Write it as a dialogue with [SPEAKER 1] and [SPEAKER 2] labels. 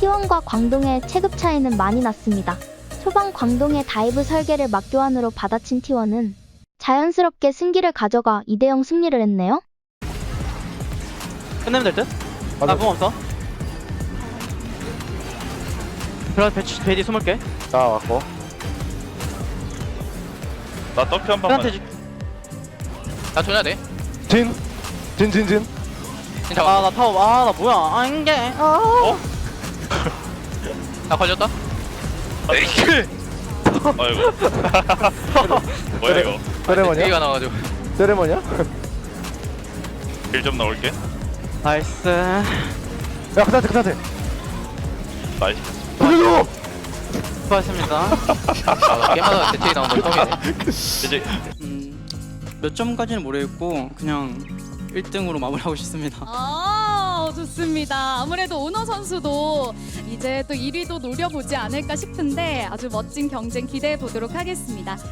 [SPEAKER 1] T1과 광동의 체급 차이는 많이 났습니다. 초반 광동의 다이브 설계를 맞교환으로 받아친 T1은 자연스럽게 승기를 가져가 2대0 승리를 했네요.
[SPEAKER 2] 끝내면 될 듯?
[SPEAKER 3] 맞아.
[SPEAKER 2] 나 공 없어. 그럼 베디 20개.
[SPEAKER 3] 나 왔고.
[SPEAKER 4] 나 떡표 한 번만.
[SPEAKER 2] 팬한테
[SPEAKER 5] 나 줘야 돼.
[SPEAKER 3] 진.
[SPEAKER 5] 진짜.
[SPEAKER 2] 나 타워. 나 뭐야. 안게.
[SPEAKER 4] 어?
[SPEAKER 5] 나 걸렸다.
[SPEAKER 4] 에이크. 아이고. 뭐야 이거?
[SPEAKER 3] 세레머니야?
[SPEAKER 5] 기가 나가지고.
[SPEAKER 3] 세레머니야?
[SPEAKER 4] 길 좀 나올게.
[SPEAKER 2] 나이스.
[SPEAKER 3] 야, 그다한테, 그다한테.
[SPEAKER 4] 나이스.
[SPEAKER 3] 보여줘!
[SPEAKER 2] 수고하셨습니다.
[SPEAKER 5] 나 게임하다가 대책이 나온 건 처음이네.
[SPEAKER 4] 이제
[SPEAKER 6] 몇 점까지는 모르겠고 그냥 1등으로 마무리하고 싶습니다.
[SPEAKER 7] 좋습니다. 아무래도 오너 선수도 이제 또 1위도 노려보지 않을까 싶은데 아주 멋진 경쟁 기대해 보도록 하겠습니다.